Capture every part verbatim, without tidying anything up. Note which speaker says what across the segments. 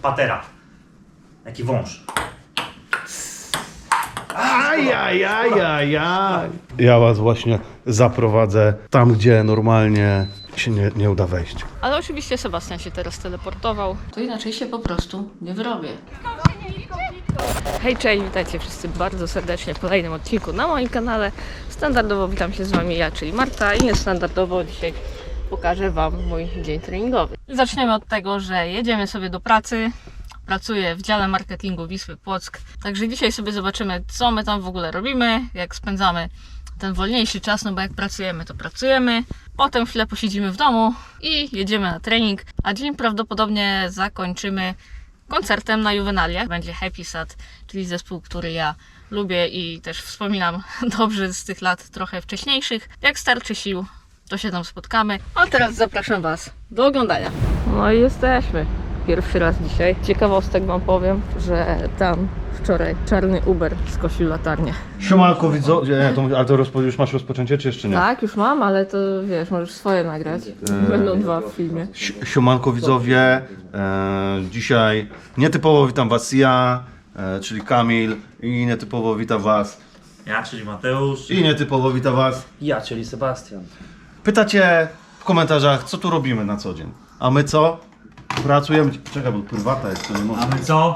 Speaker 1: patera. Jaki wąż.
Speaker 2: Ajajajajaj. Ja was właśnie zaprowadzę tam, gdzie normalnie się nie, nie uda wejść.
Speaker 3: Ale oczywiście Sebastian się teraz teleportował. To inaczej się po prostu nie wyrobię. Hej, cześć, witajcie wszyscy bardzo serdecznie w kolejnym odcinku na moim kanale. Standardowo witam się z wami ja, czyli Marta, i niestandardowo dzisiaj pokażę wam mój dzień treningowy. Zaczniemy od tego, że jedziemy sobie do pracy. Pracuję w dziale marketingu Wisły Płock. Także dzisiaj sobie zobaczymy, co my tam w ogóle robimy, jak spędzamy ten wolniejszy czas, no bo jak pracujemy, to pracujemy. Potem chwilę posiedzimy w domu i jedziemy na trening, a dzień prawdopodobnie zakończymy koncertem na Juvenaliach. Będzie Happy Sad, czyli zespół, który ja lubię i też wspominam dobrze z tych lat trochę wcześniejszych. Jak starczy sił, to się tam spotkamy. A teraz zapraszam Was do oglądania. No i jesteśmy. Pierwszy raz dzisiaj. Ciekawostek wam powiem, że tam wczoraj czarny Uber skosił latarnię.
Speaker 2: Siemanko widzowie, nie, to, ale to rozpo, już masz rozpoczęcie, czy jeszcze nie?
Speaker 3: Tak, już mam, ale to wiesz, możesz swoje nagrać. Będą dwa w filmie.
Speaker 2: Si- Siemanko widzowie, e, dzisiaj nietypowo witam was ja, e, czyli Kamil, i nietypowo witam was,
Speaker 1: Ja, czyli Mateusz.
Speaker 2: i nietypowo witam was.
Speaker 4: Ja, czyli Sebastian.
Speaker 2: Pytacie w komentarzach, co tu robimy na co dzień, a my co? Pracujemy, czekaj, bo prywata jest, to nie
Speaker 1: A
Speaker 2: można.
Speaker 1: my co?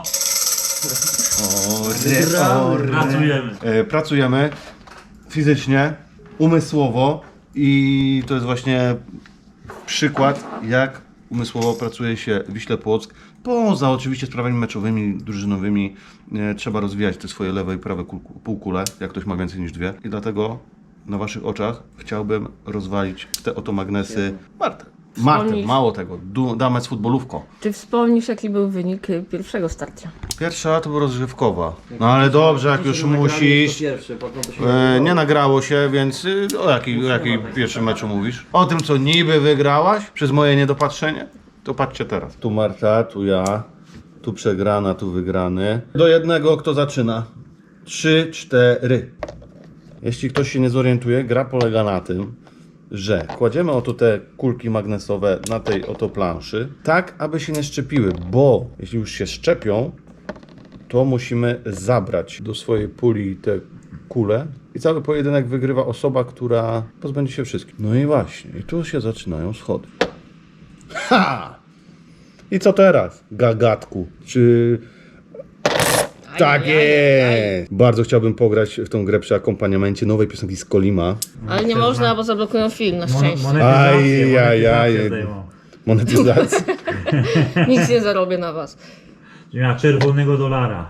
Speaker 2: Ory, ory.
Speaker 1: Pracujemy.
Speaker 2: E, pracujemy fizycznie, umysłowo, i to jest właśnie przykład, jak umysłowo pracuje się w Wiśle Płock. Poza oczywiście sprawami meczowymi, drużynowymi, e, trzeba rozwijać te swoje lewe i prawe kul- półkule, jak ktoś ma więcej niż dwie. I dlatego na waszych oczach chciałbym rozwalić te oto magnesy Martę. Martę,
Speaker 3: Wspomnisz-
Speaker 2: mało tego, du- damę z futbolówką.
Speaker 3: Czy wspomnisz, jaki był wynik y, pierwszego starcia?
Speaker 2: Pierwsza to była rozgrzewkowa. No ale dobrze, jak już musisz.
Speaker 4: Pierwszy, potem to się
Speaker 2: E, nie nagrało się, więc y, o jakiej, o jakiej pierwszym meczu mówisz? O tym, co niby wygrałaś przez moje niedopatrzenie? To patrzcie teraz. Tu Marta, tu ja, tu przegrana, tu wygrany. Do jednego kto zaczyna? Trzy, cztery. Jeśli ktoś się nie zorientuje, gra polega na tym, że kładziemy oto te kulki magnesowe na tej oto planszy, tak aby się nie szczepiły, bo jeśli już się szczepią, to musimy zabrać do swojej puli te kule i cały pojedynek wygrywa osoba, która pozbędzie się wszystkich. No i właśnie, i tu się zaczynają schody. Ha! I co teraz, gagatku? Czy... Tak jest! Bardzo chciałbym pograć w tą grę przy akompaniamencie nowej piosenki z Kolima.
Speaker 3: Ale nie można, bo zablokują film, na szczęście.
Speaker 2: Aj, aj, aj. Monetyzacja.
Speaker 3: Nic nie zarobię na was.
Speaker 1: Ja czerwonego dolara.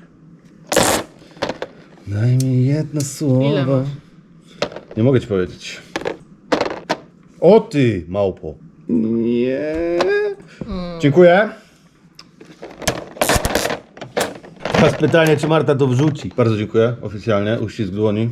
Speaker 2: Daj mi jedno słowo.
Speaker 3: Ile masz?
Speaker 2: Nie mogę ci powiedzieć. O ty, małpo. Nie. Dziękuję. Teraz pytanie, czy Marta to wrzuci. Bardzo dziękuję, oficjalnie, uścisk dłoni.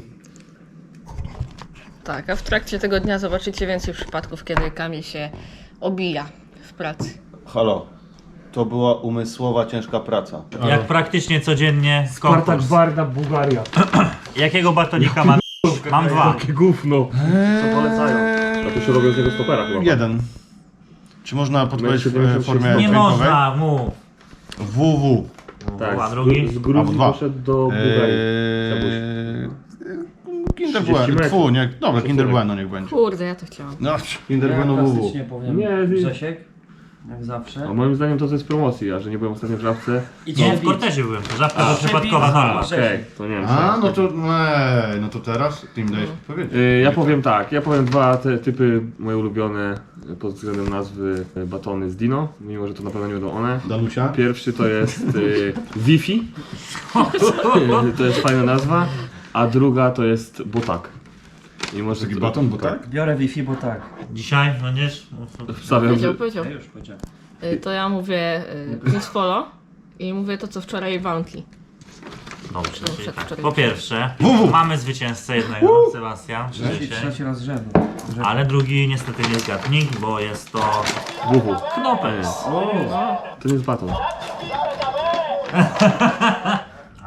Speaker 3: Tak, a w trakcie tego dnia zobaczycie więcej przypadków, kiedy Kamil się obija w pracy.
Speaker 2: Halo, to była umysłowa, ciężka praca.
Speaker 1: Jak praktycznie codziennie
Speaker 4: Spartak
Speaker 1: konkurs.
Speaker 4: Barda, Bułgaria.
Speaker 1: Jakiego batonika mam? Mam dwa.
Speaker 4: Jakie gówno. Co polecają? A tu się robią z tego stopera chyba.
Speaker 2: Jeden. Czy można podpowiedzieć w e, formie
Speaker 1: Nie
Speaker 2: dźwiękowej?
Speaker 1: można, mów.
Speaker 2: W W.
Speaker 4: Tak,
Speaker 1: A drugi?
Speaker 4: z, z
Speaker 2: Albo
Speaker 4: Gruzji
Speaker 2: dwa.
Speaker 4: poszedł do Bułgarii.
Speaker 2: Eee, Kinder
Speaker 4: trzydzieści
Speaker 2: Bueno,
Speaker 4: metrów.
Speaker 2: Tfu, nie, dobra, Kinder Bueno niech będzie.
Speaker 3: Kurde, ja to chciałam.
Speaker 2: No, Kinder Bueno W W.
Speaker 5: Klasycznie powiem
Speaker 4: Nie, nie.
Speaker 5: Grzesiek, jak zawsze.
Speaker 4: A moim zdaniem to jest promocji, a że nie byłem ostatnio w Żabce.
Speaker 1: Nie, w kortezie byłem. To żabka to przypadkowa nazwa.
Speaker 4: Okej, to nie wiem.
Speaker 2: A,
Speaker 4: co-
Speaker 2: no to, ej, no to teraz ty mi dajesz powiedzieć.
Speaker 4: Y, Ja powiem tak, ja powiem dwa te typy moje ulubione y, pod względem nazwy y, batony z Dino, mimo że to na pewno nie będą one.
Speaker 2: Danusia?
Speaker 4: Pierwszy to jest y, Wi-Fi, to jest fajna nazwa, a druga to jest Botak. Mimo, że
Speaker 2: Taki baton, bo tak?
Speaker 5: Biorę Wi-Fi, bo tak.
Speaker 1: Dzisiaj, no nie?
Speaker 4: Wstawiam,
Speaker 3: Powiedział,
Speaker 4: że...
Speaker 3: powiedział.
Speaker 5: Ja już powiedziałem.
Speaker 3: Y, To ja mówię y, Prince Polo i mówię to, co wczoraj Bounty.
Speaker 1: Dobrze,
Speaker 3: No,
Speaker 1: czyli
Speaker 3: przed
Speaker 1: tak.
Speaker 3: wczoraj.
Speaker 1: Po pierwsze, mamy zwycięzcę jednego, Sebastian,
Speaker 5: Trzeci,
Speaker 1: dzisiaj.
Speaker 5: trzeci raz z rzędu.
Speaker 1: Ale drugi niestety nie zgadnik, bo jest to
Speaker 4: Buchu.
Speaker 1: knopek.
Speaker 4: To nie jest baton.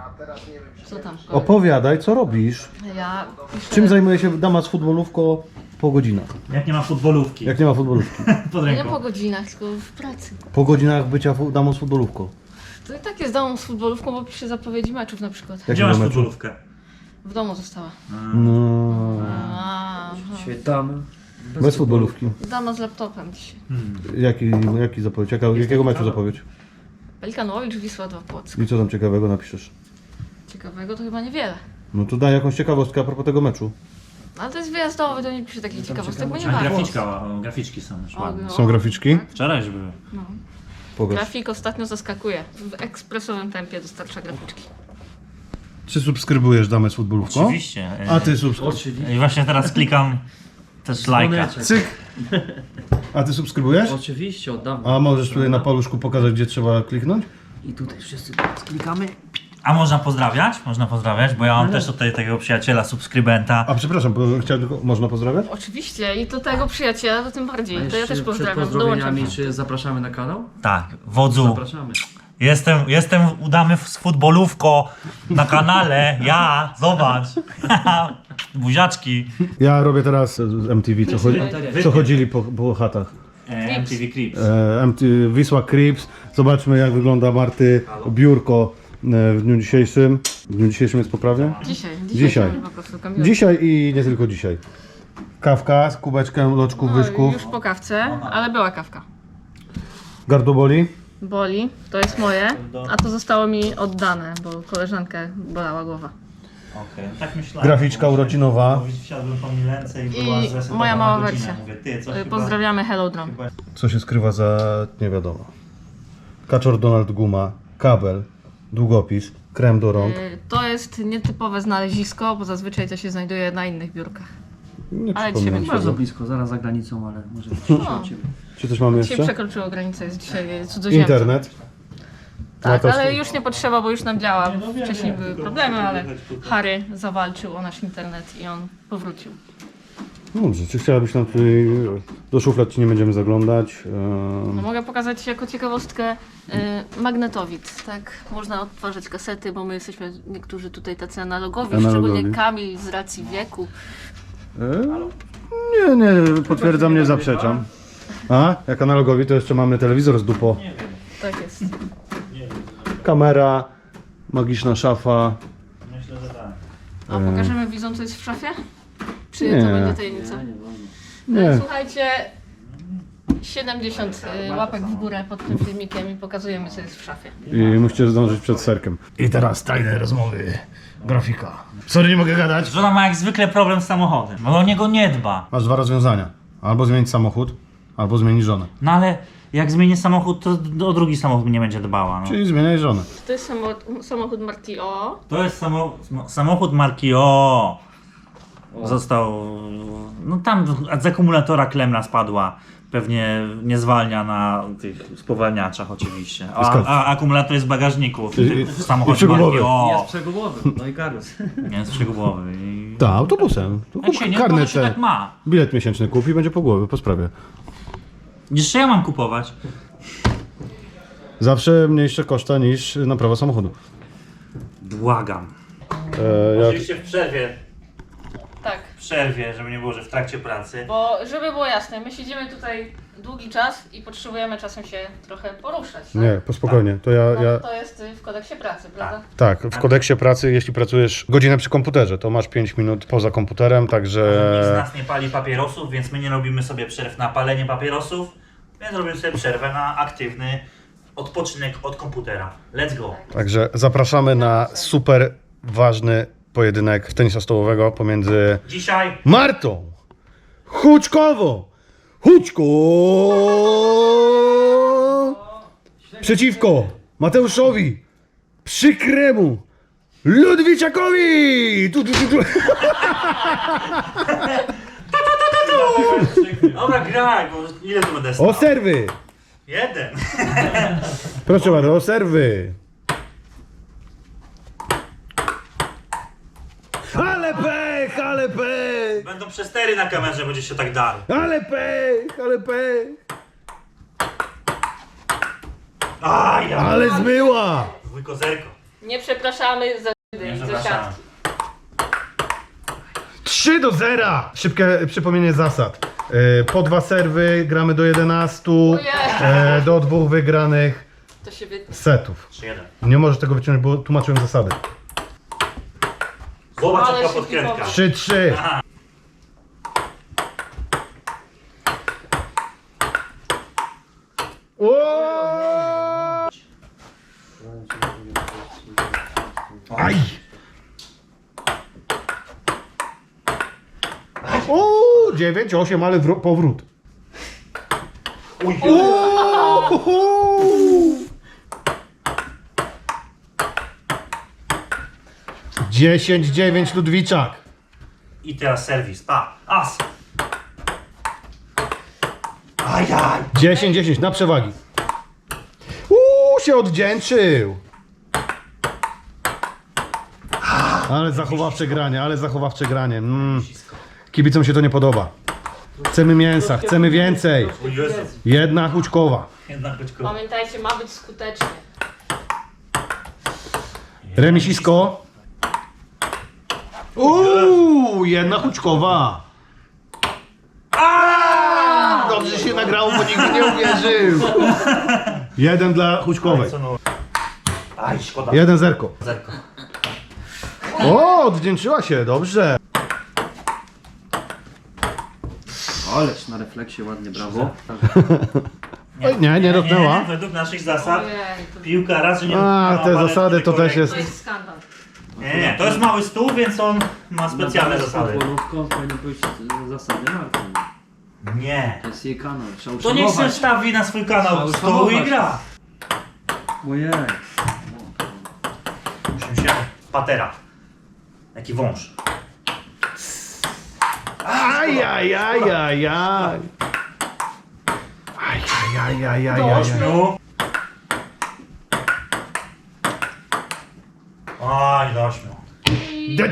Speaker 3: Co tam?
Speaker 2: Opowiadaj, co robisz?
Speaker 3: Ja piszę...
Speaker 2: Czym zajmuje się dama z futbolówką Po godzinach.
Speaker 1: Jak nie ma futbolówki.
Speaker 2: Jak nie ma futbolówki.
Speaker 1: Pod
Speaker 3: Nie
Speaker 1: ręką.
Speaker 3: po godzinach, tylko w pracy.
Speaker 2: Po godzinach bycia fu- damą z futbolówką.
Speaker 3: To i tak jest damą z futbolówką, bo pisze zapowiedzi meczów na przykład.
Speaker 2: Jak
Speaker 1: Gdzie masz
Speaker 2: do meczu?
Speaker 1: futbolówkę?
Speaker 3: W domu została.
Speaker 2: No.
Speaker 3: A,
Speaker 5: Dzisiaj damy.
Speaker 2: Bez futbolówki.
Speaker 3: dama z laptopem dzisiaj.
Speaker 2: Jaki, jaki zapowiedź? Jaka, jakiego meczu zapowiedź?
Speaker 3: Pelikanowicz, Wisła dwa Płock.
Speaker 2: I co tam ciekawego napiszesz?
Speaker 3: Ciekawego to chyba niewiele.
Speaker 2: No to daj jakąś ciekawostkę a propos tego meczu.
Speaker 3: No, ale to jest wyjazdowy, to nie pisze takich ciekawostek, bo nie
Speaker 1: A
Speaker 3: ma.
Speaker 1: graficzka, o, graficzki są już ładne.
Speaker 2: Są graficzki?
Speaker 1: Wczoraj już były.
Speaker 2: Pokaż.
Speaker 3: Grafik ostatnio zaskakuje. W ekspresowym tempie dostarcza graficzki.
Speaker 2: Czy subskrybujesz damę z futbolówką?
Speaker 1: Oczywiście.
Speaker 2: A ty subskrybujesz?
Speaker 5: Oczywiście.
Speaker 1: I właśnie teraz klikam też lajka.
Speaker 5: Dzwoneczek.
Speaker 2: Cyk! A ty subskrybujesz?
Speaker 5: Oczywiście, oddam.
Speaker 2: A możesz tutaj na paluszku pokazać, gdzie trzeba kliknąć?
Speaker 5: I tutaj wszyscy klikamy.
Speaker 1: A można pozdrawiać? Można pozdrawiać, bo ja mam też tutaj takiego przyjaciela, subskrybenta.
Speaker 2: A przepraszam, bo chciałem tylko... Można pozdrawiać?
Speaker 3: Oczywiście i do tego przyjaciela to tym bardziej. To ja
Speaker 5: Jeszcze
Speaker 3: też
Speaker 5: przed
Speaker 3: pozdrawiam.
Speaker 5: pozdrowieniami,
Speaker 3: Dołączam.
Speaker 5: czy zapraszamy na kanał?
Speaker 1: Tak, wodzu.
Speaker 5: Zapraszamy.
Speaker 1: Jestem, jestem udany z futbolówko na kanale. Ja, zobacz. Buziaczki.
Speaker 2: Ja robię teraz z M T V, co, chodzi, co chodzili po, po chatach.
Speaker 1: E, M T V Clips.
Speaker 2: E, M T V, Wisła Crips. Zobaczmy, jak wygląda Marty biurko e, w dniu dzisiejszym. W dniu dzisiejszym jest poprawnie?
Speaker 3: Dzisiaj.
Speaker 2: Dzisiaj.
Speaker 3: mamy po prostu Kamila.
Speaker 2: Dzisiaj i nie tylko dzisiaj. Kawka z kubeczkiem loczków,
Speaker 3: No,
Speaker 2: wyszków.
Speaker 3: już po kawce, ale była kawka.
Speaker 2: Gardło boli?
Speaker 3: Boli, to jest moje, a to zostało mi oddane, bo koleżankę bolała głowa.
Speaker 1: Okej, tak myślałem.
Speaker 2: Graficzka urodzinowa.
Speaker 1: Bo Wsiadłem po Milence i
Speaker 3: I
Speaker 1: była zresetowana
Speaker 3: moja mała
Speaker 1: godzina.
Speaker 3: wersja.
Speaker 1: Mówię, ty, co
Speaker 3: Y,
Speaker 1: chyba-
Speaker 3: Pozdrawiamy Hello Drum.
Speaker 1: chyba-
Speaker 2: Co się skrywa za nie wiadomo. Kaczor Donald Guma, kabel, długopis, krem do rąk.
Speaker 3: Y, To jest nietypowe znalezisko, bo zazwyczaj to się znajduje na innych biurkach.
Speaker 2: Nie
Speaker 3: ale
Speaker 2: przypominam
Speaker 3: dzisiaj
Speaker 2: sobie.
Speaker 5: Bardzo blisko, zaraz za granicą, ale może być
Speaker 3: No.
Speaker 5: od ciebie.
Speaker 2: Czy coś mamy
Speaker 3: Dzisiaj
Speaker 2: jeszcze?
Speaker 3: przekroczyło granicę, jest dzisiaj cudzoziemcem.
Speaker 2: Internet.
Speaker 3: Tak,
Speaker 2: No to-
Speaker 3: ale już nie potrzeba, bo już nam działa. Wcześniej były problemy, ale Harry zawalczył o nasz internet i on powrócił.
Speaker 2: Dobrze, czy chciałabyś nam tutaj... Do szuflad ci nie będziemy zaglądać.
Speaker 3: No,
Speaker 2: Ehm,
Speaker 3: mogę pokazać jako ciekawostkę y, magnetowid, tak? Można odtwarzać kasety, bo my jesteśmy niektórzy tutaj tacy analogowi,
Speaker 2: Analogowi.
Speaker 3: szczególnie Kamil z racji wieku.
Speaker 2: e, Nie, nie, potwierdzam, nie zaprzeczam. A, jak analogowi to jeszcze mamy telewizor z dupo.
Speaker 3: Tak jest.
Speaker 2: Kamera, magiczna szafa.
Speaker 1: Myślę, że tak.
Speaker 3: A pokażemy widzom, co jest w szafie? Czy
Speaker 2: Nie.
Speaker 3: to będzie tajemnica?
Speaker 2: Nie.
Speaker 3: Słuchajcie, siedemdziesiąt y, łapek w górę pod tym filmikiem i pokazujemy, co jest w szafie.
Speaker 2: I musicie zdążyć przed serkiem. I teraz tajne rozmowy. Grafika. Sorry, nie mogę gadać.
Speaker 1: Żona ma jak zwykle problem z samochodem, bo o niego nie dba.
Speaker 2: Masz dwa rozwiązania. Albo zmienić samochód, albo zmienić żonę.
Speaker 1: No ale jak zmieni samochód, to o drugi samochód nie będzie dbała. No.
Speaker 2: Czyli zmieniaj żonę.
Speaker 3: To jest samochód, samochód Marti O.
Speaker 1: To jest samo, samochód marki O. Został. No tam z akumulatora klemna spadła. Pewnie nie zwalnia na tych spowalniaczach oczywiście. A,
Speaker 2: Skąd?
Speaker 1: a akumulator jest w bagażniku w,
Speaker 2: I-
Speaker 1: tym-
Speaker 2: i-
Speaker 1: w
Speaker 2: i
Speaker 1: samochodzie marki
Speaker 2: przegubowy.
Speaker 1: O.
Speaker 5: Jest przegubowy, no i garus.
Speaker 1: Nie jest przegubowy. I...
Speaker 2: Tak, autobusem. To
Speaker 1: Jak się nie to
Speaker 2: karnet
Speaker 1: się
Speaker 2: te.
Speaker 1: tak ma.
Speaker 2: Bilet miesięczny kupi i będzie po głowie, po sprawie.
Speaker 1: Jeszcze ja mam kupować.
Speaker 2: Zawsze mniejsze koszta niż naprawa samochodu.
Speaker 1: Błagam.
Speaker 2: E, jak...
Speaker 1: Oczywiście w przerwie.
Speaker 3: Tak,
Speaker 1: W przerwie, żeby nie było, że w trakcie pracy.
Speaker 3: bo żeby było jasne, my siedzimy tutaj długi czas i potrzebujemy czasem się trochę poruszać. Tak?
Speaker 2: Nie, po spokojnie. To ja,
Speaker 3: No,
Speaker 2: ja...
Speaker 3: to jest y, w kodeksie pracy, prawda?
Speaker 2: Tak, w kodeksie pracy, jeśli pracujesz godzinę przy komputerze, to masz pięć minut poza komputerem,
Speaker 1: Nikt z
Speaker 2: także...
Speaker 1: nas nie pali papierosów, więc my nie robimy sobie przerw na palenie papierosów, więc robimy sobie przerwę na aktywny odpoczynek od komputera. Let's go!
Speaker 2: Także zapraszamy na super ważny pojedynek tenisa stołowego pomiędzy
Speaker 1: Dzisiaj
Speaker 2: Martą Huczkową. Huczko! Przeciwko Mateuszowi Przykremu Ludwiczakowi! Tu, tu, tu, tu.
Speaker 1: Dobra, graj, bo ile tu będę stał?
Speaker 2: O serwy!
Speaker 1: Jeden!
Speaker 2: Proszę bardzo, o serwy! Ale pech, ale pech!
Speaker 1: Będą przestery na kamerze, będzie się tak darł.
Speaker 2: Ale pech, ale pech!
Speaker 1: A ja!
Speaker 2: Ale zmyła!
Speaker 1: Wujko zerko.
Speaker 3: Nie przepraszamy za
Speaker 1: Nie
Speaker 3: za
Speaker 1: przepraszam.
Speaker 3: siatki.
Speaker 2: trzy do zera! Szybkie przypomnienie zasad. E, po dwa serwy, gramy do jedenastu,
Speaker 3: Ojej.
Speaker 2: e, do dwóch wygranych
Speaker 3: To się wytnie.
Speaker 2: setów.
Speaker 1: trzy jeden.
Speaker 2: Nie możesz tego wyciągnąć, bo tłumaczyłem zasady.
Speaker 1: Zobacz
Speaker 3: Ale
Speaker 1: jaka
Speaker 3: się
Speaker 1: podkrętka.
Speaker 3: typowo.
Speaker 2: trzy trzy. O! Aj! O, dziewięć, osiem, ale wró- powrót.
Speaker 1: Uj,
Speaker 2: dziesięć dziewięć Ludwiczak.
Speaker 1: I teraz serwis. Pa, as. Ajaj.
Speaker 2: dziesięć dziesięć na przewagi. Uuu, się odwdzięczył. Ale zachowawcze granie, ale zachowawcze granie. Mm. Kibicom się to nie podoba. Chcemy mięsa, chcemy więcej.
Speaker 1: O Jezu.
Speaker 2: Jedna huczkowa.
Speaker 1: Jednak być
Speaker 3: Pamiętajcie, ma być skutecznie.
Speaker 2: Remisisko. Uuu, jedna huczkowa. Aaaa! Dobrze się nagrało, bo nikt nie uwierzył. Jeden dla huczkowej.
Speaker 1: Co no? Aj, szkoda.
Speaker 2: Jeden zerko.
Speaker 1: Zerko.
Speaker 2: O, odwdzięczyła się, dobrze.
Speaker 5: Ależ na refleksie ładnie, brawo.
Speaker 2: Oj, nie, nie dotknęła.
Speaker 1: Według naszych zasad
Speaker 3: Ojej, to,
Speaker 1: piłka raczej nie
Speaker 2: A,
Speaker 1: dotknęła
Speaker 2: te
Speaker 1: palety
Speaker 2: zasady to też
Speaker 1: korek.
Speaker 2: jest-
Speaker 3: to jest skandal.
Speaker 1: Nie, nie, to jest mały stół, więc on ma specjalne zasady.
Speaker 5: Futbolówką powinny być e, zasady Marty.
Speaker 1: Nie.
Speaker 5: To jest jej kanał, trzeba
Speaker 1: To niech się
Speaker 5: uszanować.
Speaker 1: wstawi na swój kanał
Speaker 5: Trzeba
Speaker 1: stół i
Speaker 5: uszanować.
Speaker 1: gra.
Speaker 5: Ojej.
Speaker 1: Musimy się... Patera. Jaki wąż.
Speaker 2: Aj, aj, aj, aj, aj. Aj, aj, aj, aj, aj,
Speaker 1: Do
Speaker 2: aj.
Speaker 1: ośmiu. Oj, do ośmiu.
Speaker 2: The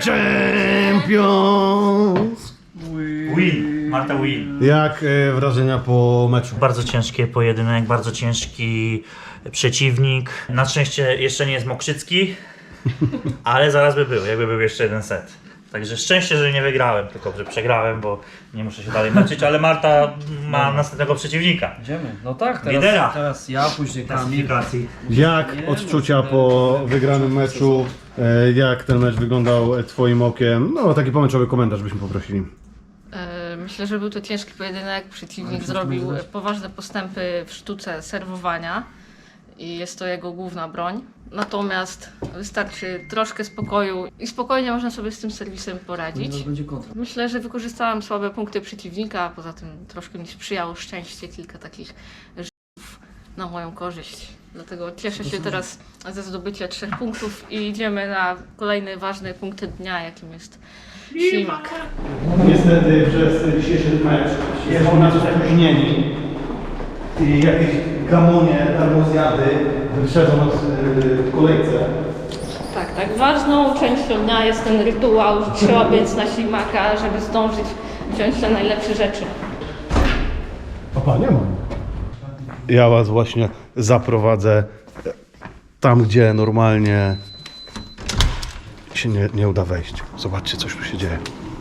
Speaker 2: Champions!
Speaker 1: Win. Marta win.
Speaker 2: Jak e, wrażenia po meczu?
Speaker 1: Bardzo ciężki pojedynek, bardzo ciężki przeciwnik. Na szczęście jeszcze nie jest Mokrzycki, ale zaraz by był, jakby był jeszcze jeden set. Także szczęście, że nie wygrałem, tylko że przegrałem, bo nie muszę się dalej męczyć, ale Marta ma następnego przeciwnika.
Speaker 5: Idziemy. No tak, teraz,
Speaker 1: Lidera.
Speaker 5: teraz ja, później Kamil.
Speaker 1: Klasyfikacji.
Speaker 2: Jak odczucia po wygranym meczu? E, Jak ten mecz wyglądał e, twoim okiem? No, taki pomęczowy komentarz byśmy poprosili.
Speaker 3: E, Myślę, że był to ciężki pojedynek. Przeciwnik zrobił poważne postępy w sztuce serwowania i jest to jego główna broń. Natomiast wystarczy troszkę spokoju i spokojnie można sobie z tym serwisem poradzić.
Speaker 5: Teraz będzie kontra.
Speaker 3: Myślę, że wykorzystałam słabe punkty przeciwnika, a poza tym troszkę mi sprzyjało szczęście, kilka takich rzutów na moją korzyść. Dlatego cieszę się teraz ze zdobycia trzech punktów i idziemy na kolejny ważny punkt dnia, jakim jest ślimak.
Speaker 2: Niestety przez dzisiejszy mecz jest nas spóźnieni i jakieś gamonie, darmozjady wyprzedzą nas w kolejce.
Speaker 3: Tak, tak. Ważną częścią dnia jest ten rytuał, że trzeba biec na ślimaka, żeby zdążyć wziąć te najlepsze rzeczy.
Speaker 2: Opa, nie ma. Ja was właśnie zaprowadzę tam, gdzie normalnie się nie, nie uda wejść. Zobaczcie, coś tu się dzieje.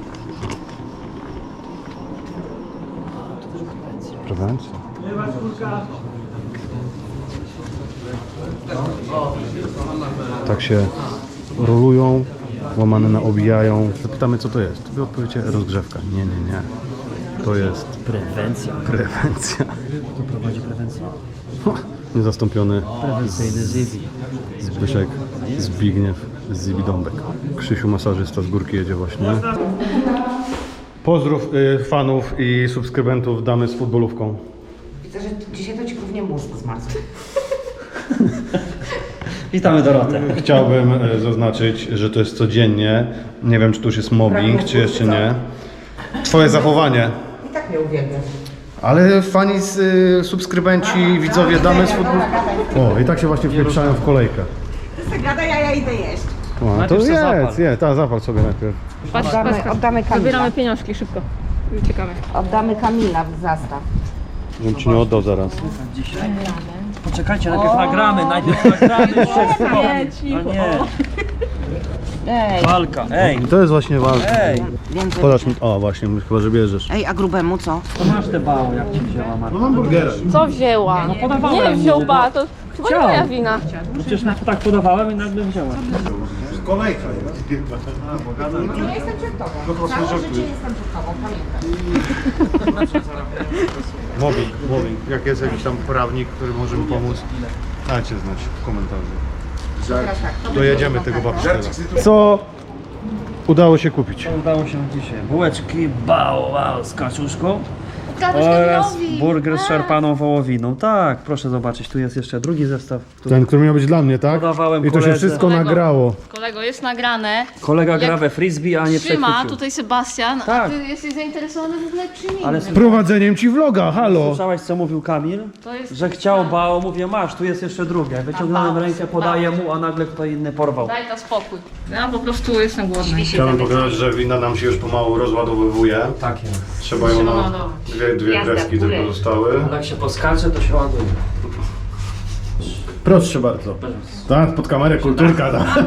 Speaker 2: Prewencja. Tak się rolują, łamane na obijają. Zapytamy, co to jest. Wy odpowiecie rozgrzewka. Nie, nie, nie. To jest
Speaker 5: Prewencja.
Speaker 2: prewencja.
Speaker 5: Kto prowadzi prewencję?
Speaker 2: Niezastąpiony
Speaker 5: Prewencyjny Zivi.
Speaker 2: Zbyszek Zbigniew z Zibidąbek. Krzysiu masażysta z górki jedzie właśnie. Pozdrów y, fanów i subskrybentów damy z futbolówką.
Speaker 6: Widzę, że dzisiaj to ci głównie mózg zmarł.
Speaker 5: Witamy Dorotę.
Speaker 2: Chciałbym y, zaznaczyć, że to jest codziennie. Nie wiem, czy to już jest mobbing, czy jeszcze nie. Twoje zachowanie.
Speaker 6: I tak mnie uwielbiasz.
Speaker 2: Ale fani, z, y, subskrybenci, widzowie damy z futbolówką. O, i tak się właśnie wpieprzają w kolejkę.
Speaker 6: Ty se gadaj, a ja idę jeść.
Speaker 2: O, to
Speaker 5: Najpierw se
Speaker 2: jest,
Speaker 5: zapal.
Speaker 2: jest, ta zapal sobie najpierw.
Speaker 3: Patrz,
Speaker 6: Oddamy-
Speaker 3: patrz, patrz.
Speaker 6: oddamy Kamila.
Speaker 3: Zabieramy pieniążki szybko. I uciekamy.
Speaker 6: Oddamy Kamila w zastaw.
Speaker 2: Żebym ci nie oddał zaraz.
Speaker 5: Dzisiaj. Poczekajcie, najpierw nagramy, najpierw nagramy.
Speaker 3: Nie, cicho.
Speaker 5: A nie.
Speaker 6: Ej,
Speaker 5: Walka, ej,
Speaker 2: To jest właśnie walka.
Speaker 5: ej.
Speaker 6: więcej.
Speaker 2: Podasz mi... O, właśnie, chyba, że bierzesz.
Speaker 6: Ej, a grubemu co?
Speaker 5: To masz te bało, jak ci wzięła Marta.
Speaker 2: No hamburgera.
Speaker 3: Co wzięła? No
Speaker 5: podawałem
Speaker 3: Nie wziął
Speaker 5: mu.
Speaker 3: ba, to chyba nie
Speaker 5: Chciał.
Speaker 3: moja wina.
Speaker 5: Przecież tak podawałem i nagle wzięła.
Speaker 2: Kolejka.
Speaker 6: Nie jestem przed tobą. Całe życie jestem przed tobą, pamiętaj.
Speaker 2: Mobbing, mobbing. Jak jest jakiś tam prawnik, który może mi pomóc, dajcie znać w komentarzu.
Speaker 6: Teraz tak.
Speaker 2: Dojedziemy tego babsztela. Co udało się kupić?
Speaker 5: Udało się dzisiaj. Bułeczki bał, bał z kaczuszką
Speaker 3: Ukradłeś
Speaker 5: oraz
Speaker 3: Kamilowi.
Speaker 5: burger z szarpaną wołowiną. Tak, proszę zobaczyć, tu jest jeszcze drugi zestaw. który
Speaker 2: Ten, który miał być dla mnie, tak?
Speaker 5: Podawałem
Speaker 2: I to się
Speaker 5: koledze.
Speaker 2: wszystko
Speaker 3: Kolego.
Speaker 2: nagrało.
Speaker 3: Kolego, jest nagrane.
Speaker 5: Kolega gra
Speaker 3: Jak
Speaker 5: we frisbee, a nie
Speaker 3: Trzyma
Speaker 5: przechwycił.
Speaker 3: tutaj Sebastian, a
Speaker 5: Tak.
Speaker 3: ty jesteś zainteresowany w ogóle czym innym.
Speaker 5: Ale
Speaker 2: Prowadzeniem ci vloga, halo!
Speaker 5: Słyszałeś, co mówił Kamil?
Speaker 3: To jest...
Speaker 5: Że chciał bało, mówię, masz, tu jest jeszcze drugie. Wyciągnąłem
Speaker 3: bało,
Speaker 5: rękę, podaję mu, a nagle ktoś inny porwał.
Speaker 3: Daj ta spokój. Ja po prostu jestem głodny.
Speaker 2: Chciałbym pokazać, że wina nam się już pomału rozładowywuje.
Speaker 5: Tak jest.
Speaker 2: Trzeba ją na dwie, dwie
Speaker 6: Jazda w
Speaker 2: kreski
Speaker 6: górę.
Speaker 2: tylko zostały.
Speaker 5: Jak się poskacze, to się ładuje.
Speaker 2: Proszę bardzo. Tak, pod kamerę kulturka. Tak.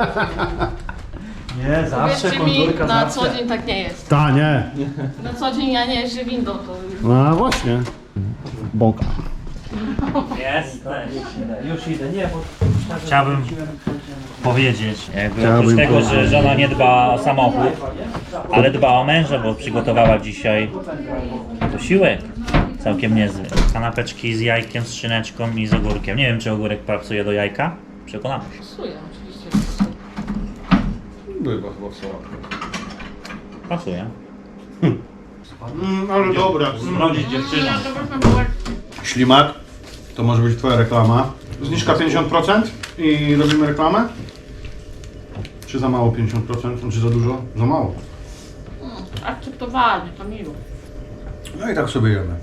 Speaker 5: Nie, zawsze
Speaker 3: Wierzcie mi,
Speaker 5: konturka,
Speaker 3: na
Speaker 5: zawsze.
Speaker 3: co dzień tak nie jest.
Speaker 2: Ta, nie.
Speaker 3: Na co dzień ja nie jeżdżę windą, to
Speaker 2: No właśnie. Bąka.
Speaker 1: Jesteś.
Speaker 5: Już idę, nie, bo...
Speaker 1: Chciałbym powiedzieć, jakby
Speaker 2: Chciałbym
Speaker 1: oprócz tego,
Speaker 2: powiedzieć.
Speaker 1: że żona nie dba o samochód, ale dba o męża, bo przygotowała dzisiaj posiłek całkiem niezły. Kanapeczki z jajkiem, z szyneczką i z ogórkiem. Nie wiem, czy ogórek pasuje do jajka. Przekonamy się.
Speaker 3: psuję oczywiście.
Speaker 2: Była chyba w sałatkę.
Speaker 1: Pasuje.
Speaker 2: Mm, ale dobra.
Speaker 1: Zmrodzić dziewczynę.
Speaker 2: Ślimak, to może być twoja reklama. Zniżka pięćdziesiąt procent i robimy reklamę? Czy za mało pięćdziesiąt procent? Czy za dużo? Za mało.
Speaker 3: Akceptowalnie, to miło.
Speaker 2: No i tak sobie jemy.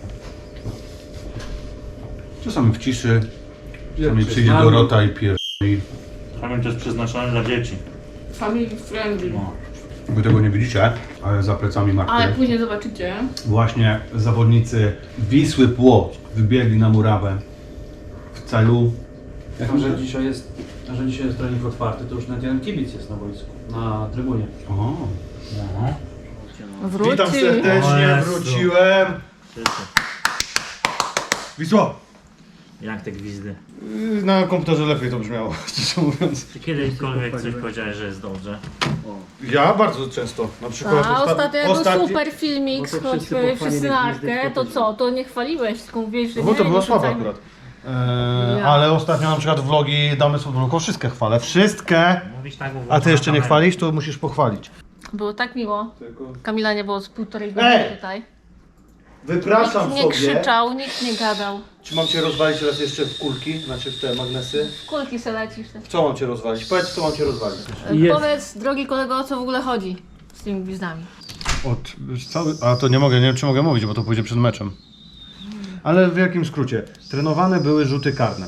Speaker 2: Czasami w ciszy, czasami przyjdzie Dorota i pierdoli.
Speaker 1: Pamiętam, to jest przeznaczone dla dzieci.
Speaker 3: Family friendly.
Speaker 1: No.
Speaker 2: Wy tego nie widzicie, ale za plecami
Speaker 3: Ale
Speaker 2: Marty
Speaker 3: później zobaczycie.
Speaker 2: właśnie zawodnicy Wisły Płock wybiegli na murawę w celu...
Speaker 5: Jako, że dzisiaj jest, że dzisiaj jest trening otwarty, to już nawet jeden kibic jest na boisku, na trybunie.
Speaker 2: O.
Speaker 1: No.
Speaker 3: Wróci.
Speaker 2: Witam
Speaker 1: O
Speaker 2: serdecznie,
Speaker 1: Jezu.
Speaker 2: wróciłem. Wisła!
Speaker 1: Jak te gwizdy?
Speaker 2: Na komputerze lepiej to brzmiało, szczerze mówiąc.
Speaker 1: Czy kiedykolwiek coś powiedziałeś, że jest dobrze?
Speaker 2: Ja bardzo często, na przykład
Speaker 3: A
Speaker 2: osta-
Speaker 3: ostatnio jak był
Speaker 2: ostatni-
Speaker 3: super filmik,
Speaker 5: Bo to wszyscy
Speaker 3: choćby
Speaker 5: pochwalili
Speaker 3: wszyscy na
Speaker 5: gwizdy,
Speaker 3: arkę, to
Speaker 5: tylko
Speaker 3: co? To nie chwaliłeś, tylko mówiłeś, że
Speaker 2: No
Speaker 3: nie,
Speaker 2: bo to
Speaker 3: nie
Speaker 2: było słabe
Speaker 3: wrzucajmy.
Speaker 2: akurat. Eee,
Speaker 3: Ja.
Speaker 2: ale ostatnio na przykład vlogi Damy z Futbolką wszystkie chwalę, wszystkie.
Speaker 1: Mówisz tak, bo
Speaker 2: A ty jeszcze nie
Speaker 1: kamerę.
Speaker 2: chwalisz, to musisz pochwalić.
Speaker 3: Było tak miło. Kamila nie było z półtorej godziny
Speaker 2: Ej!
Speaker 3: tutaj.
Speaker 2: Wypraszam
Speaker 3: Nikt nie krzyczał, nikt nie gadał.
Speaker 2: Czy mam cię rozwalić raz jeszcze w kulki, znaczy w te magnesy?
Speaker 3: W kulki se lecisz.
Speaker 2: W co mam cię rozwalić? Powiedz, w co mam cię rozwalić.
Speaker 5: Jest.
Speaker 3: Powiedz, drogi kolego, o co w ogóle chodzi z tymi gwizdami.
Speaker 2: Od, cały... A to nie mogę, nie wiem czy mogę mówić, bo to pójdzie przed meczem. Ale w jakim skrócie? Trenowane były rzuty karne.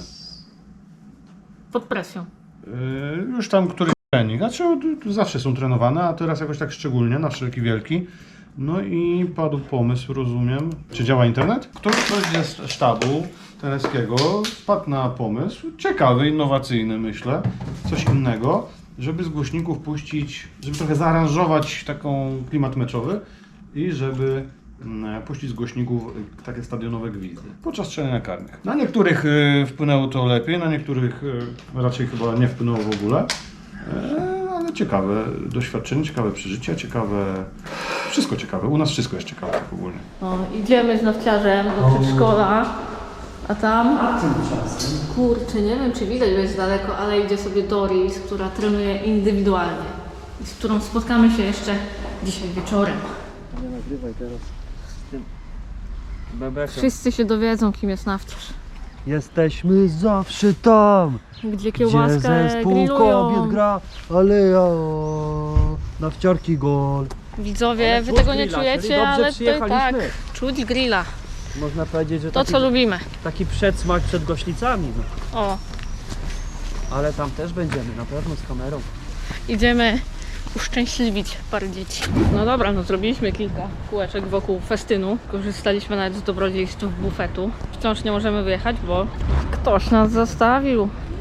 Speaker 3: Pod presją.
Speaker 2: Yy, już tam któryś trening, znaczy od- zawsze są trenowane, a teraz jakoś tak szczególnie, na wszelki wielki. No i padł pomysł, rozumiem, czy działa internet? Ktoś, ktoś ze sztabu teneskiego wpadł na pomysł, ciekawy, innowacyjny myślę, coś innego, żeby z głośników puścić, żeby trochę zaaranżować taką klimat meczowy i żeby mm, puścić z głośników y, takie stadionowe gwizdy podczas strzelania karnych. Na niektórych y, wpłynęło to lepiej, na niektórych y, raczej chyba nie wpłynęło w ogóle. E, ale ciekawe doświadczenie, ciekawe przeżycia, ciekawe... Wszystko ciekawe. U nas wszystko jest ciekawe tak ogólnie.
Speaker 3: O, idziemy z nowciarzem do przedszkola, a tam... Kurczę, nie wiem czy widać, bo jest daleko, ale idzie sobie Doris, która trenuje indywidualnie. I z którą spotkamy się jeszcze dzisiaj wieczorem.
Speaker 5: Nagrywaj teraz z tym bebekiem.
Speaker 3: Wszyscy się dowiedzą, kim jest nawciarz.
Speaker 5: Jesteśmy zawsze tam,
Speaker 3: Gdzie
Speaker 5: gdzie
Speaker 3: kiełbaskę
Speaker 5: zespół kobiet
Speaker 3: grillują.
Speaker 5: gra, ale ja na wciorki gol.
Speaker 3: Widzowie,
Speaker 5: Ale
Speaker 3: wy
Speaker 5: czuć
Speaker 3: tego nie
Speaker 5: grilla, czyli
Speaker 3: czujecie,
Speaker 5: dobrze
Speaker 3: ale to tak,
Speaker 5: przyjechaliśmy.
Speaker 3: czuć grilla.
Speaker 5: Można powiedzieć, że
Speaker 3: To
Speaker 5: taki,
Speaker 3: co lubimy.
Speaker 5: taki przedsmak przed goślicami, no.
Speaker 3: O,
Speaker 5: Ale tam też będziemy, na pewno z kamerą.
Speaker 3: idziemy uszczęśliwić parę dzieci. No dobra, no zrobiliśmy kilka kółeczek wokół festynu. Korzystaliśmy nawet z dobrodziejstw bufetu. Wciąż nie możemy wyjechać, bo ktoś nas zostawił.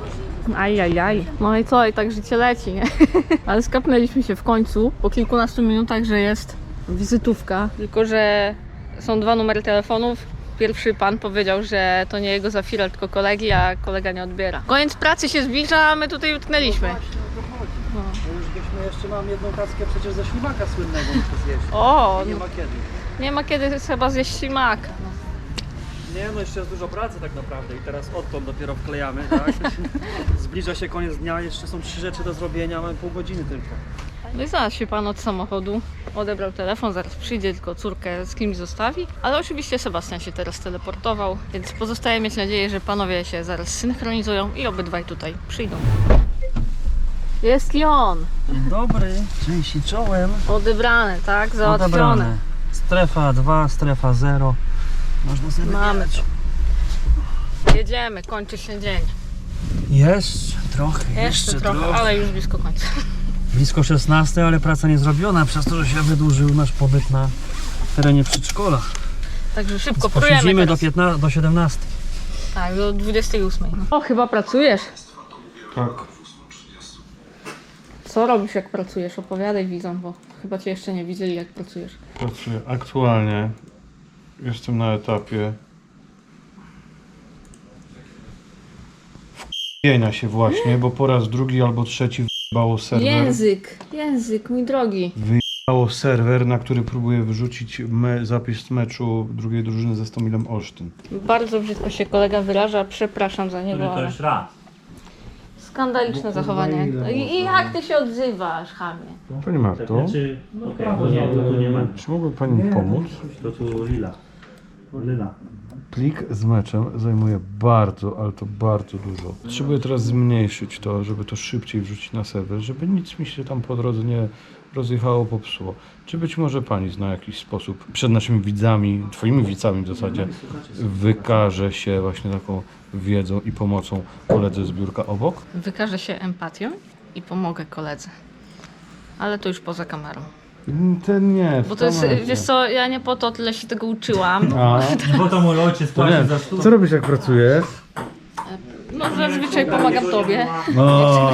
Speaker 3: Ajajaj. No i co, i tak życie leci, nie? Ale skapnęliśmy się w końcu, po kilkunastu minutach, że jest wizytówka. Tylko że są dwa numery telefonów. Pierwszy pan powiedział, że to nie jego Zafira, tylko kolegi, a kolega nie odbiera. Koniec pracy się zbliża, a my tutaj utknęliśmy.
Speaker 5: No już byśmy jeszcze mam jedną tackę przecież ze ślimaka słynnego muszę zjeść.
Speaker 3: O,
Speaker 5: Nie ma kiedy.
Speaker 3: nie ma kiedy chyba zjeść ślimaka.
Speaker 5: Nie no, jeszcze jest dużo pracy tak naprawdę i teraz odtąd dopiero wklejamy, tak? Zbliża się koniec dnia, jeszcze są trzy rzeczy do zrobienia, mamy pół godziny tylko.
Speaker 3: No i zaraz się pan od samochodu odebrał telefon, zaraz przyjdzie, tylko córkę z kimś zostawi. Ale oczywiście Sebastian się teraz teleportował, więc pozostaje mieć nadzieję, że panowie się zaraz synchronizują i obydwaj tutaj przyjdą. Jest i on!
Speaker 5: Dobry, części czołem.
Speaker 3: Odebrane, tak? Załatwione.
Speaker 5: Strefa dwa, strefa zero. Można sobie
Speaker 3: Mamy to. Jedziemy, kończy się dzień.
Speaker 5: Jeszcze trochę,
Speaker 3: Jeszcze, trochę, ale już blisko końca.
Speaker 5: Blisko szesnastej, ale praca nie zrobiona przez to, że się wydłużył nasz pobyt na terenie przedszkola.
Speaker 3: Także szybko prujemy
Speaker 5: Posiedzimy do,
Speaker 3: teraz.
Speaker 5: piętnastej, do siedemnastej.
Speaker 3: Tak, do dwudziestej ósmej. No. O, chyba pracujesz.
Speaker 2: Tak.
Speaker 3: Co robisz, jak pracujesz? Opowiadaj widzom, bo chyba cię jeszcze nie widzieli, jak pracujesz.
Speaker 2: Pracuję. Aktualnie jestem na etapie wk***enia się właśnie, bo po raz drugi albo trzeci wyjebało serwer.
Speaker 3: Język, język, mój drogi.
Speaker 2: Wyjebało serwer, na który próbuję wyrzucić me zapis meczu drugiej drużyny ze Stomilem Olsztyn.
Speaker 3: Bardzo brzydko się kolega wyraża, przepraszam za niego,
Speaker 1: To
Speaker 3: ale
Speaker 1: już raz.
Speaker 3: skandaliczne zachowanie. I, I jak ty się odzywasz, chamie?
Speaker 2: Pani Marto,
Speaker 1: Znaczy, okej, to nie, to tu nie ma.
Speaker 2: czy mogłaby Pani pomóc?
Speaker 1: To tu lila. Lila.
Speaker 2: Plik z meczem zajmuje bardzo, ale to bardzo dużo. Potrzebuję teraz zmniejszyć to, żeby to szybciej wrzucić na serwer, żeby nic mi się tam po drodze nie rozjechało, popsuło. Czy być może Pani zna jakiś sposób przed naszymi widzami, Twoimi widzami w zasadzie, wykaże się właśnie taką wiedzą i pomocą koledze z biurka obok?
Speaker 3: Wykażę się empatią i pomogę koledze. Ale to już poza kamerą.
Speaker 2: Ten nie.
Speaker 3: Bo to jest, wiesz co, ja nie po to tyle się tego uczyłam.
Speaker 2: A,
Speaker 1: Bo to mój ojciec
Speaker 2: to
Speaker 1: płaci
Speaker 2: nie.
Speaker 1: za sztukę.
Speaker 2: Co robisz jak pracujesz?
Speaker 3: No zazwyczaj pomagam tobie,
Speaker 2: No.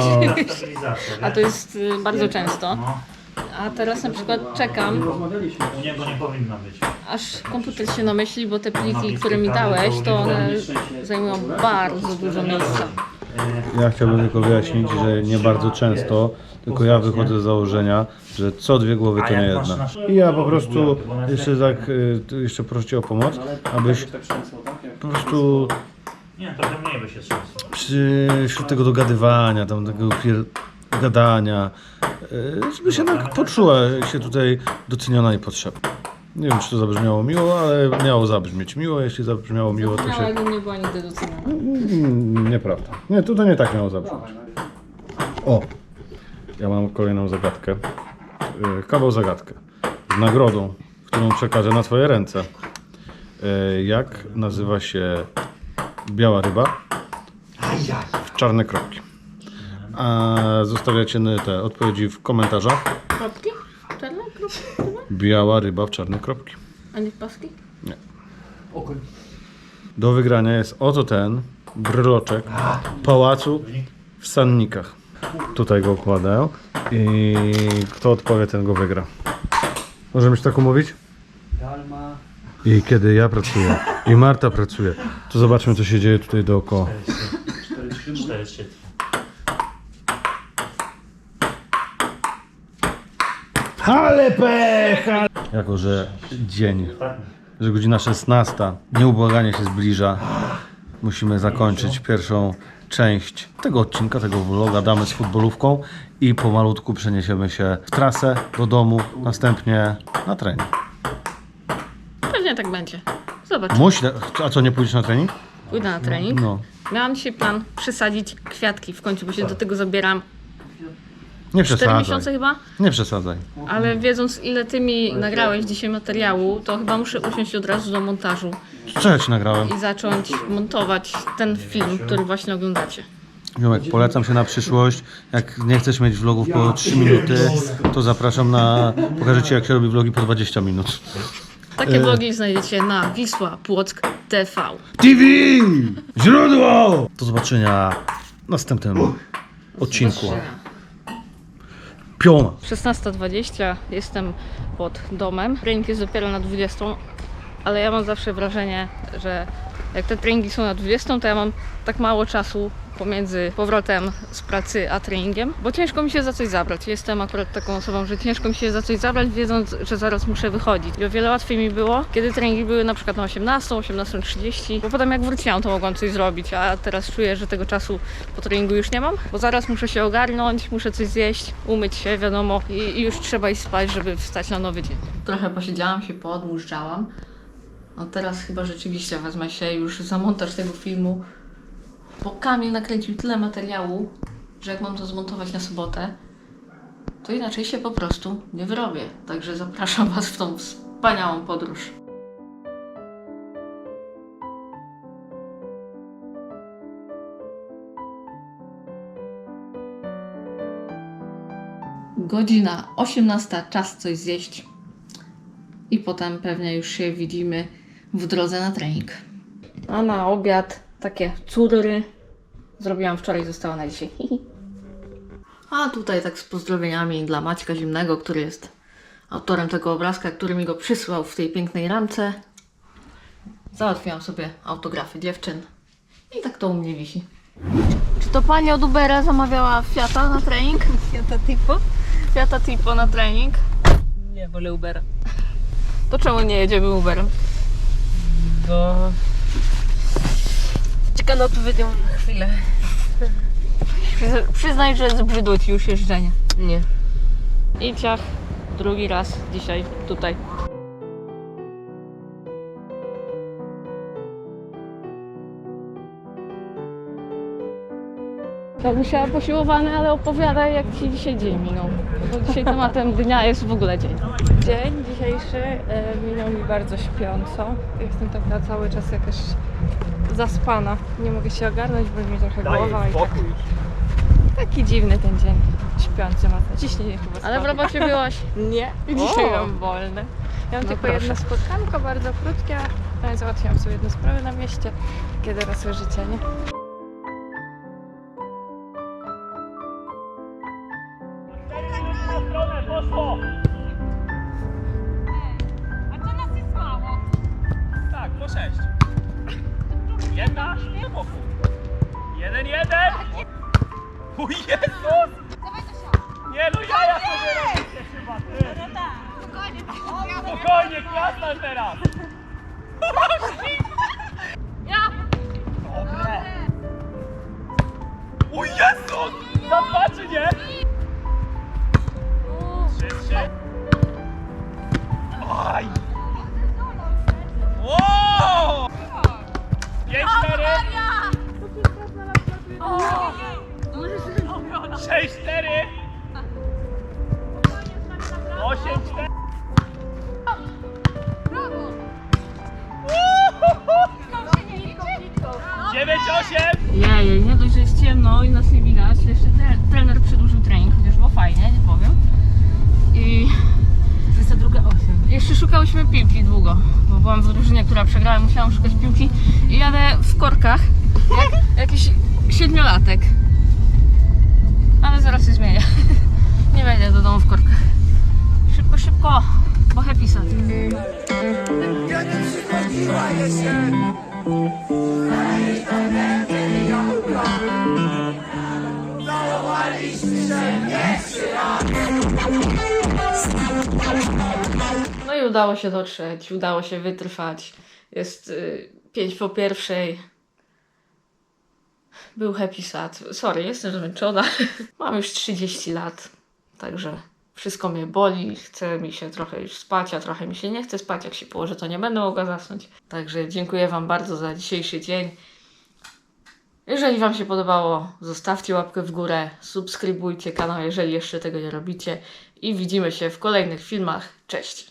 Speaker 3: a to jest y, bardzo często.
Speaker 1: No,
Speaker 3: A teraz na przykład czekam,
Speaker 1: u niego nie powinno być.
Speaker 3: aż komputer się namyśli, bo te pliki, które mi dałeś, to one zajmują bardzo dużo miejsca.
Speaker 2: Ja chciałbym tylko wyjaśnić, że nie bardzo często, tylko ja wychodzę z założenia, że co dwie głowy to nie jedna. I ja po prostu jeszcze tak, y, tu jeszcze proszę Cię o pomoc, abyś po prostu
Speaker 1: Nie, trochę mniej by się trzęsło.
Speaker 2: przy, wśród tego dogadywania, tam tego pier... gadania, y, żeby się tak poczuła się tutaj doceniona i potrzebna. Nie wiem, czy to zabrzmiało miło, ale miało zabrzmieć miło. Jeśli zabrzmiało miło, to się...
Speaker 3: Małego nie była nigdy doceniana.
Speaker 2: Mm, Nieprawda. Nie, tutaj nie tak miało zabrzmieć. O! Ja mam kolejną zagadkę. Yy, Kawał zagadkę. Z nagrodą, którą przekażę na Twoje ręce. Yy, Jak nazywa się biała ryba w czarne kropki? A zostawiacie te odpowiedzi w komentarzach.
Speaker 3: Kropki? Czarne kropki?
Speaker 2: Biała ryba w czarne kropki.
Speaker 3: A nie paski?
Speaker 2: Do wygrania jest oto ten bryloczek pałacu w Sannikach. Tutaj go układają i kto odpowie, ten go wygra. Możemy się tak umówić?
Speaker 5: Galma.
Speaker 2: I kiedy ja pracuję i Marta pracuje, to zobaczmy, co się dzieje tutaj dookoła.
Speaker 1: cztery trzy.
Speaker 2: Ale pecha! Jako, że dzień, że godzina szesnasta, nieubłaganie się zbliża, musimy zakończyć pierwszą część tego odcinka, tego vloga Damy z futbolówką i pomalutku przeniesiemy się w trasę, do domu, następnie na trening.
Speaker 3: Pewnie tak będzie. Zobacz,
Speaker 2: Musi, a co, nie pójdziesz na trening?
Speaker 3: pójdę na trening.
Speaker 2: No.
Speaker 3: Miałam dzisiaj plan przesadzić kwiatki w końcu, bo się do tego zabieram
Speaker 2: Nie
Speaker 3: cztery
Speaker 2: przesadzaj.
Speaker 3: miesiące chyba.
Speaker 2: Nie przesadzaj.
Speaker 3: Ale wiedząc, ile ty mi nagrałeś dzisiaj materiału, to chyba muszę usiąść od razu do montażu
Speaker 2: Co ja ci nagrałem?
Speaker 3: i zacząć montować ten film, który właśnie oglądacie.
Speaker 2: Ziomek, polecam się na przyszłość. Jak nie chcesz mieć vlogów po trzy minuty, to zapraszam na... Pokażę Ci, jak się robi vlogi po dwadzieścia minut.
Speaker 3: Takie vlogi znajdziecie na Wisła Płock T V.
Speaker 2: T V! Źródło! Do zobaczenia następnym odcinku. Piona.
Speaker 3: szesnasta dwadzieścia, jestem pod domem. Trening jest dopiero na dwudziestą, ale ja mam zawsze wrażenie, że jak te treningi są na dwudziestą, to ja mam tak mało czasu pomiędzy powrotem z pracy a treningiem, bo ciężko mi się za coś zabrać. Jestem akurat taką osobą, że ciężko mi się za coś zabrać, wiedząc, że zaraz muszę wychodzić. I o wiele łatwiej mi było, kiedy treningi były na przykład na osiemnastą, osiemnastą trzydzieści, bo potem jak wróciłam, to mogłam coś zrobić, a teraz czuję, że tego czasu po treningu już nie mam, bo zaraz muszę się ogarnąć, muszę coś zjeść, umyć się, wiadomo, i, i już trzeba iść spać, żeby wstać na nowy dzień. Trochę posiedziałam się, poodmurzczałam. No teraz chyba rzeczywiście wezmę się już za montaż tego filmu, bo Kamil nakręcił tyle materiału, że jak mam to zmontować na sobotę, to inaczej się po prostu nie wyrobię. Także zapraszam Was w tą wspaniałą podróż. Godzina osiemnasta, czas coś zjeść. I potem pewnie już się widzimy w drodze na trening. A na obiad takie cury. Zrobiłam wczoraj, zostało na dzisiaj. A tutaj tak z pozdrowieniami dla Maćka Zimnego, który jest autorem tego obrazka, który mi go przysłał w tej pięknej ramce. Załatwiłam sobie autografy dziewczyn. I tak to u mnie wisi. Czy to pani od Ubera zamawiała Fiata na trening?
Speaker 7: Fiata Tipo?
Speaker 3: Fiata Tipo na trening.
Speaker 7: Nie, wolę Ubera.
Speaker 3: To czemu nie jedziemy Uberem?
Speaker 7: Bo... Czeka na odpowiednią chwilę.
Speaker 3: Przyz- Przyznaj, że zbrzydło Ci już jeżdżenie.
Speaker 7: Nie.
Speaker 3: I ciach, drugi raz dzisiaj tutaj. Tak musiała posiłowane, ale opowiadaj, jak Ci dzisiaj dzień minął. Bo dzisiaj tematem dnia jest w ogóle dzień.
Speaker 8: Dzień dzisiejszy e, minął mi bardzo śpiąco. Jestem taka cały czas jakaś zaspana. Nie mogę się ogarnąć, bo mi trochę głowa i tak, taki dziwny ten dzień. Śpiący ma to. Ciśnienie chyba
Speaker 3: Ale w
Speaker 8: spadło.
Speaker 3: robocie byłaś?
Speaker 8: Nie, dzisiaj
Speaker 3: O!
Speaker 8: mam wolne. Ja mam
Speaker 3: No
Speaker 8: tylko
Speaker 3: proszę.
Speaker 8: jedno spotkanko, bardzo krótkie. ale Załatwiłam sobie jedną sprawę na mieście. Kiedy raz życie, nie?
Speaker 5: Tak, po sześć. Jedna, boku. Jeden, jeden. O Jezus! Nie no, jaja sobie robicie chyba, ty. Spokojnie, klasna teraz. Dobre. O Jezus! Za dwa czy nie? Trzy, trzy. Aj! Wow! Pięć, cztery. Sześć, cztery. Osiem, cztery. Dziewięć, osiem.
Speaker 3: Jej, nie dość, że jest ciemno i nas nie widać, jeszcze tre- trener przedłużył trening, chociaż było fajnie, nie powiem. I
Speaker 7: dwudziesta druga osiem.
Speaker 3: jeszcze szukałyśmy piłki długo, bo byłam w drużynie, która przegrała i musiałam szukać piłki i jadę w korkach, jak jakiś siedmiolatek. Ale zaraz się zmienię. Nie wejdę do domu w korkach. Szybko, szybko, bo happy sad. No i udało się dotrzeć, udało się wytrwać. Jest y, pięć po pierwszej. Był happy sad. Sorry, jestem zmęczona. Mam już trzydzieści lat, także wszystko mnie boli. Chce mi się trochę już spać, a trochę mi się nie chce spać. Jak się położę, to nie będę mogła zasnąć. Także dziękuję Wam bardzo za dzisiejszy dzień. Jeżeli Wam się podobało, zostawcie łapkę w górę, subskrybujcie kanał, jeżeli jeszcze tego nie robicie i widzimy się w kolejnych filmach. Cześć!